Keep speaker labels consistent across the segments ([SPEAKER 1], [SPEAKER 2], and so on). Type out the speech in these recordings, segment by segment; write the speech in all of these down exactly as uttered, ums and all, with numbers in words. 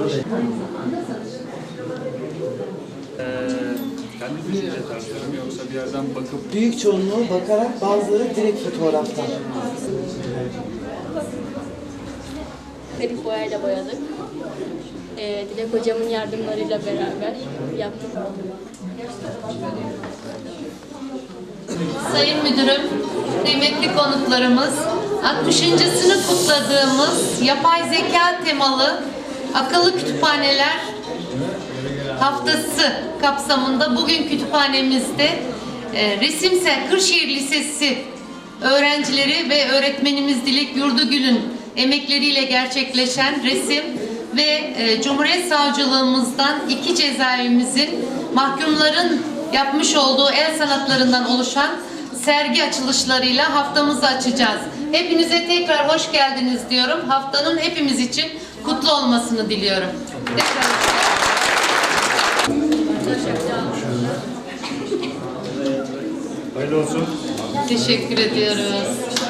[SPEAKER 1] Ee, kendi düşünce tarzlarım yoksa bir yerden bakıp...
[SPEAKER 2] Büyük çoğunluğu bakarak, bazıları direkt fotoğraftan.
[SPEAKER 3] Akrilik boyayla boyadık. Ee, Dilek hocamın yardımlarıyla beraber yaptık.
[SPEAKER 4] Sayın Müdürüm, kıymetli konuklarımız, altmışıncısını kutladığımız yapay zeka temalı akıllı kütüphaneler haftası kapsamında bugün kütüphanemizde e, Resimsel Kırşehir Lisesi öğrencileri ve öğretmenimiz Dilek Yurdugül'ün emekleriyle gerçekleşen resim ve e, Cumhuriyet Savcılığımızdan iki cezaevimizin mahkumların yapmış olduğu el sanatlarından oluşan sergi açılışlarıyla haftamızı açacağız. Hepinize tekrar hoş geldiniz diyorum. Haftanın hepimiz için kutlu olmasını diliyorum. Tekrar.
[SPEAKER 1] Hayırlı olsun.
[SPEAKER 4] Teşekkür ediyoruz.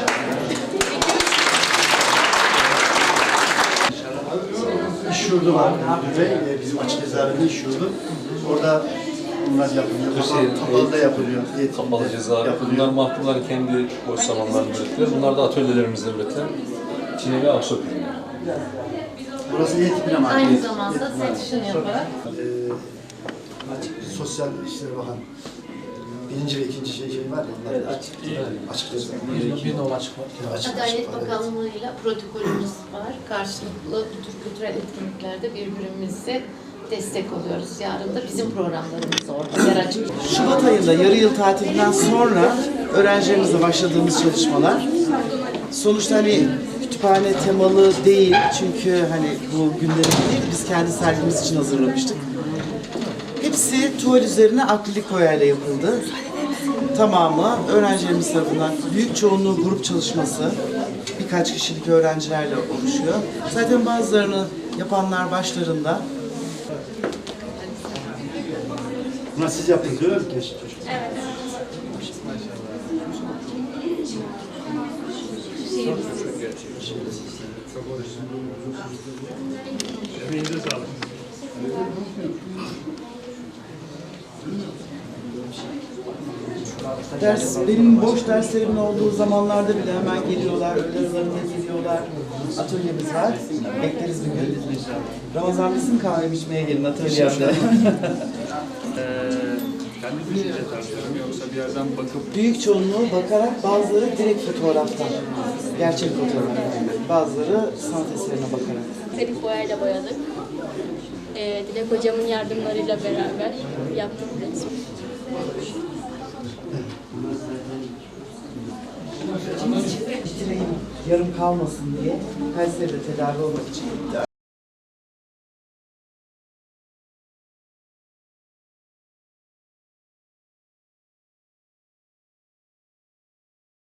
[SPEAKER 5] İş yurdu var ve bizim açık cezaevinde iş yurdu. Orada bunlar yapılıyor. Kapalı da yapılıyor.
[SPEAKER 6] Kapalı cezaevi. Bunlar mahkumların kendi boş zamanlarında üretilir. Bunlar da atölyelerimizde üretilen çine ve ahşap ürünler.
[SPEAKER 5] Burası eğitim ama.
[SPEAKER 4] Aynı zamanda seçişini yaparak.
[SPEAKER 5] Ee, Sosyal İşleri Bakan. Birinci ve ikinci şey, şey var ya. Evet, açık. Açık cezaevi.
[SPEAKER 2] Bir nol açık var.
[SPEAKER 4] Adalet Bakanlığı'yla protokolümüz var. Karşılıklı bu tür kültürel etkinliklerde birbirimize destek oluyoruz. Yarın da bizim programlarımız orada yer açık.
[SPEAKER 2] Şubat ayında yarı yıl tatilinden sonra öğrencilerimizle başladığımız çalışmalar. Sonuçta hani kütüphane temalı değil çünkü hani bu günlerin değil, biz kendi sergimiz için hazırlamıştık. Hepsi tuval üzerine akrilik boyayla yapıldı. Tamamı öğrencilerimiz tarafından, büyük çoğunluğu grup çalışması, birkaç kişilik öğrencilerle oluşuyor. Zaten bazılarını yapanlar başlarında.
[SPEAKER 5] Bunlar siz yaptınız öyle mi? Evet.
[SPEAKER 1] Çok orijinal. Emeğinize sağlık.
[SPEAKER 2] Ders, benim boş derslerimin olduğu zamanlarda bile hemen geliyorlar, öğle aralarında geliyorlar. Atölyemiz var, bekleriz bir gün. Ramazan bizim kahve içmeye gelin atölyemde.
[SPEAKER 1] Ee, kendi düşünce tarzlarım yoksa bir yerden bakıp...
[SPEAKER 2] Büyük çoğunluğu bakarak, bazıları direkt fotoğraftan. Gerçek fotoğraftan. Bazıları sanat eserine bakarak.
[SPEAKER 3] Akrilik boyayla boyadık. Ee, Dilek hocamın yardımlarıyla beraber yaptık.
[SPEAKER 2] Dileğim yarım kalmasın diye Kayseri'de tedavi olmak için